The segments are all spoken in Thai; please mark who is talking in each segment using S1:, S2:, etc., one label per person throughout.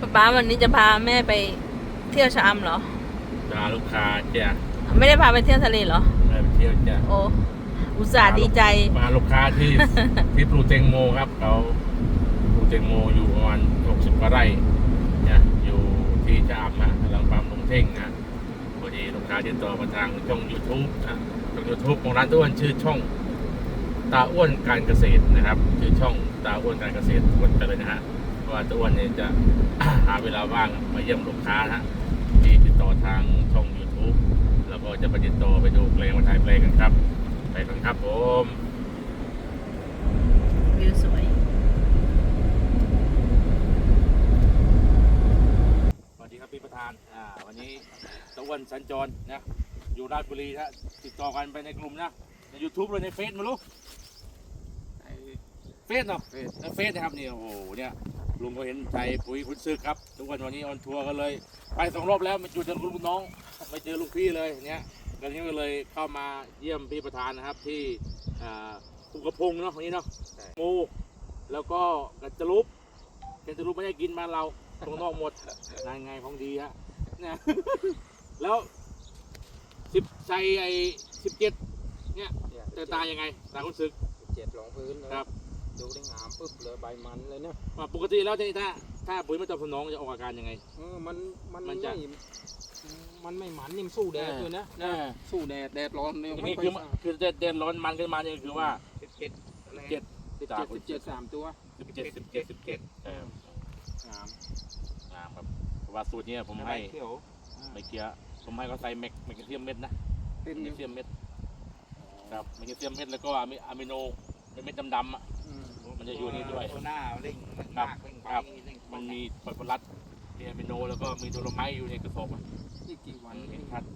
S1: ป้าวันนี้จะพาแม่ไปเที่ยวชะอำเหรอ
S2: พาลูกค้าจ้ะ
S1: ไม่ได้พาไปเที่ยวทะเลเหรอ
S2: ไปเที่ยวจ้ะ
S1: โอ้อุตส่าห์ดีใจ
S2: พาลูกค้าที่ที่ปลูกแตงโมครับเขาปลูกแตงโมอยู่ประมาณ60 กว่าไร่เนี่ยอยู่ที่ชะอำนะกำลังปั๊มลงเท่งนะพอดีลูกค้าติดต่อมาทางช่อง YouTube นะช่อง YouTube ของร้านอ้วนชื่อช่องตาอ้วนการเกษตรนะครับชื่อช่องตาอ้วนการเกษตรกดไปเลยนะฮะเพราะว่าตาอ้วนเนี่ยจะ หาเวลาว่างมาเยี่ยมลูกค้านะที่ติดต่อทางช่อง YouTube แล้วก็จะไปติดต่อไปดูแปลงมาถ่ายแปลงกันครับไปกันครับผม
S1: วิวสวย
S2: สวัสดีครับพี่ประธานวันนี้ตะวันสัญจรนะอยู่ราชบุรีนะติดต่อกันไปในกลุ่มนะใน YouTube เลยในเฟซมาลูกเฟซเนาะในเฟซนะครับนี่โอ้โหเนี่ยลุงก็เห็นใจปุ๋ยคุณซึกครับทุกวันนี้ออนทัวร์กันเลยไป2 รอบแล้วไม่เจอลุงน้องไม่เจอลุงพี่เลยเนี่ยกันนี้ก็เลยเข้ามาเยี่ยมพี่ประธานนะครับที่ภูกระพงเนาะวันนี้เนาะโมแล้วก็กระจลุบไม่ได้กินมาเราตรงนอกหมดนายไงของดีฮะเนี่ยแล้วใจไอ้17เนี่ยแต่ตายังไงตาคุณซึก
S3: 17รองพื้น
S2: ครับ
S3: ดูได้งามปึ๊บเลยใบมันเลยเนี่ย
S2: ปกติแล้วถ้าปุ๋ยไม่ตอบสนองจะออกอาการยังไง
S3: มันไม่มันนิ่มสู้แดดเลยนะสู้แดดร้อนเนี่ย
S2: ไม่คือแดดร้อนมันขึ้นมาเนี่ยคือว่า
S3: 17 3 ตัว
S2: 17งามครับว่าสูตรนี้ผมให้ไม่เกี่ยวผมให้เขาใส่แมกนีเซียมเม็ดนะแมกนีเซียมเม็ดครับแมกนีเซียมเม็ดแล้วก็อะมิโนเป็นเม็ดดำๆอ่ะมันจะอยู่นี่ด้วย
S3: หน้าเร่ง
S2: ครับมันมีฟอสฟอรัสมีอะมิโนแล้วก็มีโดโลไมต์อยู่ในกระสอบอ่ะ
S3: ที่กี่วัน
S2: เห็นชัด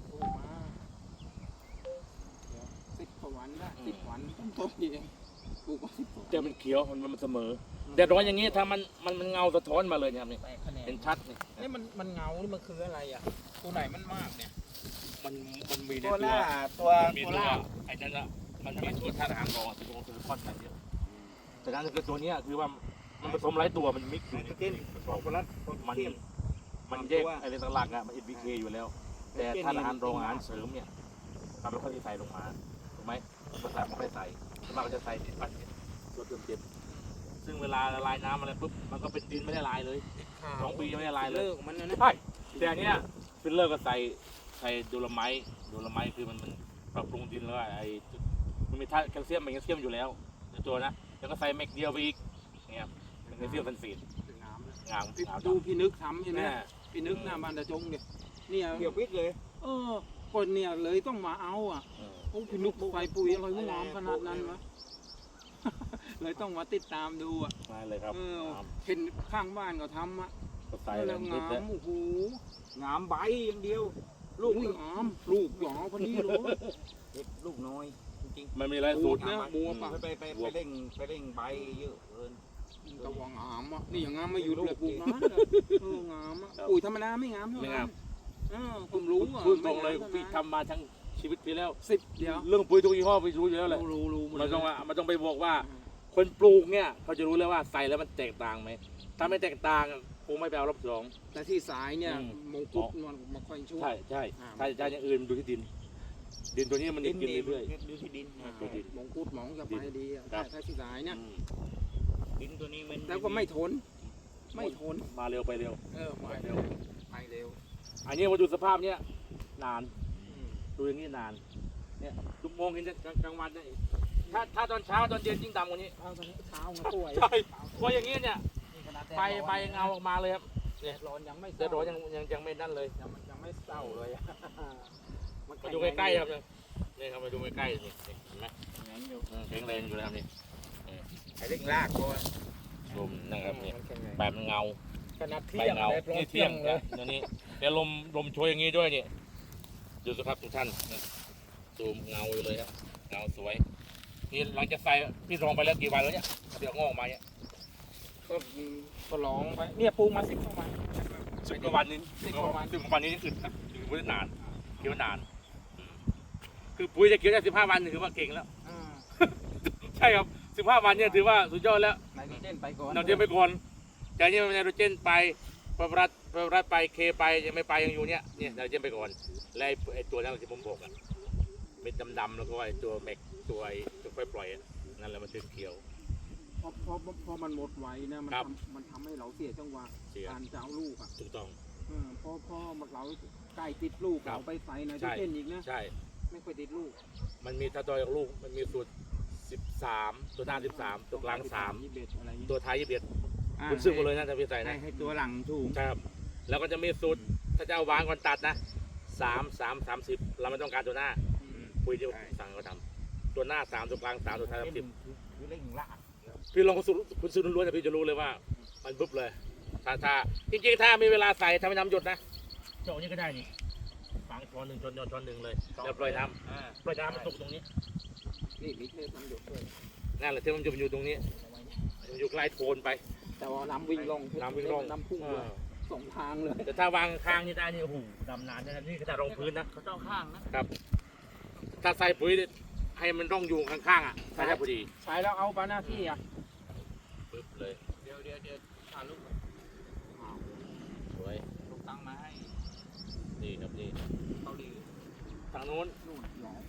S3: 10 กว่าวันละ10 วันต้นเองปลูกมา10 วัน
S2: แต่มันเขียวมันเสมอแดดร้อนอย่างนี้ถ้ามันเงาสะท้อนมาเลยเนี่ยนี่เป็นชัด
S3: นี่มันเงานี่มันคืออะไรอ่ะตัวไหนมันมากเนี่ย
S2: มันมีใน
S3: ตัว
S2: ไอ้นั่นละมันมีตัวธาตุอาหารรองตัวซิลิคอนอะไรเยอะแต่นั่นคือตัวนี้คือว่ามันผสมหลายตัวมันมิกซ์อยู่ในฟอสฟอรัสมันแยกอะไรต่างๆอ่ะมัน NPK อยู่แล้วแต่ธาตุอาหารรองอาหารเสริมเนี่ยเราไม่ค่อยใส่ลงมาถูกไหมภาษาไม่ค่อยใส่ส่วนมากจะใส่ติดปันตัวเต็มซึ่งเวลาละลายน้ำอะไรปุ๊บมันก็เป็นดินไม่ได้ลายเลย2 ปียังไม่ได้ลายเลย
S3: มันนะ
S2: ใช่แต่อันเนี้ยฟิลเลอร์ก็ใส่โดโลไมต์คือมันปรับปรุงดินแล้วไอ้มันมีธาตุแคลเซียมแมกนีเซียมอยู่แล้วในตัวนะแล้วก็ใส่แมกเดียวไปอีกเนี่ยแมกนีเซียมซัลเฟตงาม
S3: ดูพี่นึกทำใช่ไหมพี่นึกหน้าบ้านตะจงเนี่ย
S2: เกี่ยววิทย์เลย
S3: คนเนี่ยเลยต้องมาเอาอ่ะโอ้พี่นึกใส่ปุ๋ยอะไรงามขนาดนั้นวะเลยต้องมาติดตามดูอ่ะ
S2: ใช่เลยครับ
S3: เห็นข้างบ้านก็ทำอ่ะแล้วงามโอ้โห
S2: งามใบอย่างเดียว
S3: ลูกงามลูกหยอพอดีเลย
S2: ลูกน้อยจริงๆมันมีหลายสูตร
S3: นะบัวปะ
S2: ไปเร่งใบเยอะเกิน
S3: ตะวังงามอ่ะนี่อย่างงามมาอยู่เลยปลูกนะงามอ่ะปุ๋ยธรรมดาไม่งาม
S2: ไม่งาม
S3: ผมรู้อ่ะ
S2: พูดตรงเลยพี่ทำมาทั้งชีวิตไปแล้ว
S3: 10 เดียว
S2: เรื่องปุ๋ยทุกยี่ห้อไปรู้อยู่แล้วแหละ
S3: รู้
S2: มันต้องไปบอกว่าคนปลูกเนี่ยเขาจะรู้แล้วว่าใส่แล้วมันแตกต่างไหมถ้าไม่แตกต่างคงไม่ไปเอารอบ2
S3: แต่ที่สายเนี่ยมงกุฎมันมาค่อยช่วย
S2: ใช่ถ้าอย่างอื่นดูที่ดินตัวนี้มันกินเรื่อย
S3: ๆดูที่ดินมงกุฎหมองจะไปดีถ้าที่สายเนี่ย
S2: ดินตัวนี้มัน
S3: แล้วก็ไม่ทน
S2: มาเร็วไปเร็ว
S3: ไปเร็ว
S2: อันนี้มาดูสภาพเนี้ยนานดูอย่างนี้นานเนี่ยทุกโมงเห็นกลางวันได้ถ้าตอนเช้าตอนเย็นยิ่งดำกว่านี้
S3: ตอนเช้ามันป่วย
S2: ใช่ป่วยอย่างนี้เนี่ยใบเงาออกมาเลยครับ
S3: เนี่ยร้อนยังไม่
S2: ร้อนยังไม่นั่นเลย
S3: ยังไม่เศร้าเลย
S2: มาดูใกล้ๆครับนี่ครับมาดูใกล้ๆนี่เห็นไหมแข็งแรงอยู่แล้วนี่
S3: ไอ้เร่งลากก่อน
S2: ลมนะครับนี่แบบเงา
S3: ขนาดเที่ยง
S2: นี่เที่ยงนะนี่เดี๋ยวลมช่วยอย่างนี้ด้วยนี่ดูสภาพทุกท่านซูมเงาอยู่เลยครับเงาสวยนี่หลังจากใส่พี่รองไปแล้วกี่วันแล้วเนี่ยเดี๋ยวงอกมาเนี่ย
S3: ก็ร้องไปเนี่ยปลูกมา10 กว่าวัน
S2: 10 กว่าวันนี้10 กว่าวันนี้อึดนะอยู่ไม่ได้นานเกี่ยวนานคือปุ๋ยจะเกี่ยวได้15 วันถือว่าเก่งแล้วใช่ครับ15 วันเนี่ยถือว่าสุดยอดแล้ว
S3: ไนโตรเจนไปก่อน
S2: จากนี้ไนโตรเจนไปพระรัฐไปเคไปยังไม่ไปยังอยู่เนี่ยเราจะไปก่อนแล้วไอ้ตัวนั้นที่ผมบอกอ่ะเม็ดดำๆแล้วก็ไอ้ตัวแม็กตัวค่อยปล่อยนั่นแหละมันถึงเขียว
S3: พอมันหมดไวนะมันทำให้เราเสียจังหวะการจะเอาลูกอ่ะ
S2: ถูกต้อง
S3: พอเราใกล้ติดลูกเราไปใส่ในที่เต้นอีกนะ
S2: ใช่
S3: ไม่ค่อยติดลูก
S2: มันมีถ้าตัวจากลูกมันมีสูตร13ตัวหน้า13ตัวกลาง3ตัวท้าย21คุณซื้อมาเลยนะจะไปใส่นะ
S3: ให้ตัวหลังถูก
S2: ครับแล้วก็จะมีสูตรถ้าจะเอาวางก่อนตัดนะ30เราไม่ต้องการตัวหน้าคุยที่สั่งเขาทำตัวหน้า3ตัวกลาง3ตัวท้าย10
S3: คือเล่งละ
S2: พี่ลองคุณซื้อล้วนๆพี่จะรู้เลยว่ามันปุ๊บเลยถ้าจริงๆถ้ามีเวลาใส่ทำให้น้ำหยดนะเจาะนี้ก็ได้นี่ฝังช้อนหนึ่งช้อนหนึ่งเลยแล้วปล่อยน้ำมันตกตรงนี้
S3: นี่มิกเลยน้ำหยดด้วย
S2: นั่นแหละที่มันอยู่ตรงนี้มันอยู่ใกล้โคนไป
S3: แต่ว่าน้ำวิ่งลงน้ำพุ่งเลยสองทางเลย
S2: แต่ถ้าวางข้างนี่ได้นี่โอ้โหดำนานนะนี่ก็จะรองพื้นนะ
S3: เขาต้องข้างนะครับ
S2: ถ้าใส่ปุ๋ยให้มันร่องอยู่ข้างๆอ่ะใช่พอดี
S3: ใช้แล้วเอาปาหน้าที่อ่ะ
S2: ปึ๊บเลย
S3: เดี๋ยวถ่ายรูป
S2: สวย
S3: ลูกตั้งมาให้
S2: นี่ครับนี่
S3: เขาดี
S2: ทางโน้น
S3: นู่นหรอ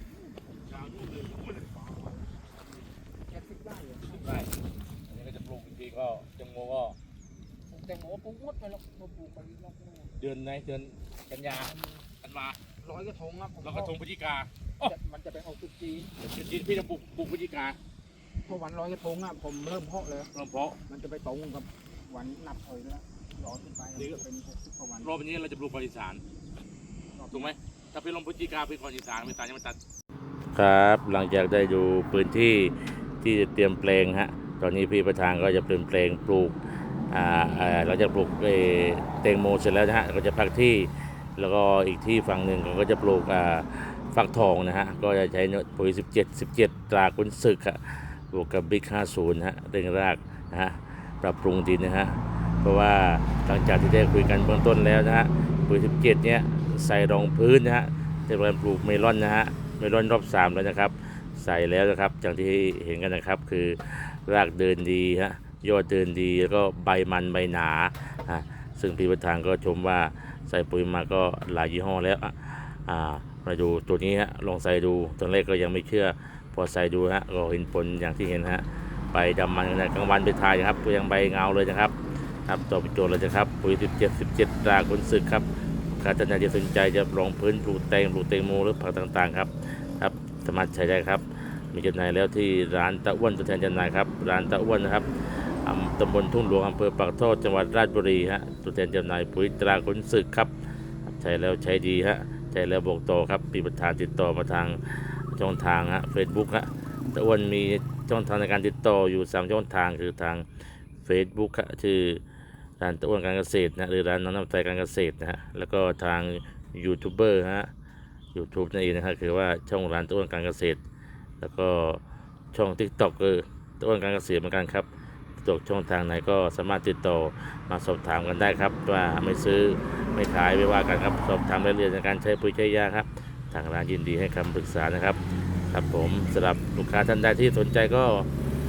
S3: แค่10 ไร่เหรอ
S2: ได้อันนี้ก็จะปลูกอีกทีก็จังโมก็
S3: แตงโมปลูกหมดไปแล้วปลูกไปรอบ
S2: เดือนกันยากันมา
S3: ร้อยกระทงครับ
S2: แล้วก็ทงพฤศจิกา
S3: มันจะไปออกตุจีน
S2: พี่จะปลูกพฤศจิกา
S3: พอวันร้อยกระทงอ่ะผมเริ่มเพาะเลย
S2: เริ่มเพาะ
S3: มันจะไปตรงกับวันนับถอยแล้วร้อยขึ้นไปจะเป็น60 กว่าวัน
S2: รอบนี้เราจะปลูกก่อนอีสานถูกไหมถ้าพี่ลงพฤศจิกาพี่ก่อนอีสานไม่ตายยังไม่ตัดครับหลังจากได้ดูพื้นที่ที่จะเตรียมแปลงฮะตอนนี้พี่ประธานก็จะเตรียมแปลงปลูกเราจะปลูกแตงโมเสร็จแล้วนะฮะก็จะพักที่แล้วก็อีกที่ฝั่งหนึ่งก็จะปลูกฟักทองนะฮะก็จะใช้ปุ๋ย17ตราขุนศึกอะบวกกับบิ๊ก50ฮะเร่งรากนะฮะปรับปรุงดินนะฮะเพราะว่าหลังจากที่ได้คุยกันเบื้องต้นแล้วนะฮะปุ๋ย17เนี้ยใส่รองพื้นนะฮะจะเป็นปลูกเมลอนนะฮะเมลอนรอบ3แล้วนะครับใส่แล้วนะครับอย่างที่เห็นกันนะครับคือรากเดินดีฮะยอดเดินดีแล้วก็ใบมันใบหนาซึ่งพี่ประธานก็ชมว่าใส่ปุ๋ยมาก็หลายยี่ห้อแล้วมาดูตัวนี้ฮะลองใส่ดูตอนแรกก็ยังไม่เชื่อพอใส่ดูฮะก็เห็นผลอย่างที่เห็นฮะใบดำมันกลางวันไปถ่ายครับก็ยังใบเงาเลยนะครับตอบโจทย์เลยนะครับปุ๋ย17ตราขุนศึกครับใครท่านใดที่สนใจจะลองพื้นปลูกแตงโมหรือผักต่างๆครับสามารถใช้ได้ครับมีจำหน่ายแล้วที่ร้านตะอ้วนตัวแทนจำหน่ายครับร้านตะอ้วนนะครับตำบลทุ่งหลวงอำเภอปากท่อจังหวัดราชบุรีฮะตัวแทนจำหน่ายปุ๋ยตราขุนศึกครับใช้แล้วใช้ดีฮะใช้แล้วบอกต่อครับปีประธานติดต่อมาทางช่องทางฮะ Facebook ฮะตะอ้วนมีช่องทางในการติดต่ออยู่3ช่องทางคือทาง Facebook ฮะชื่อร้านตะอ้วนการเกษตรนะหรือร้านน้องน้ำใจการเกษตรนะฮะแล้วก็ทางยูทูบเบอร์ฮะ YouTube นั่นเองนะครับคือว่าช่องร้านตะอ้วนการเกษตรแล้วก็ช่อง TikTok ตะอ้วนการเกษตรเหมือนกันครับตกช่องทางไหนก็สามารถติดต่อมาสอบถามกันได้ครับว่าไม่ซื้อไม่ขายไม่ว่ากันครับสอบถามรายละเอียดในการใช้ปุ๋ยใช้ยาครับทางร้านยินดีให้คำปรึกษานะครับครับผมสำหรับลูกค้าท่านใดที่สนใจก็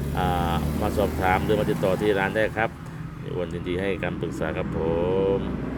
S2: มาสอบถามหรือมาติดต่อที่ร้านได้ครับอ้วนยินดีให้คำปรึกษาครับผม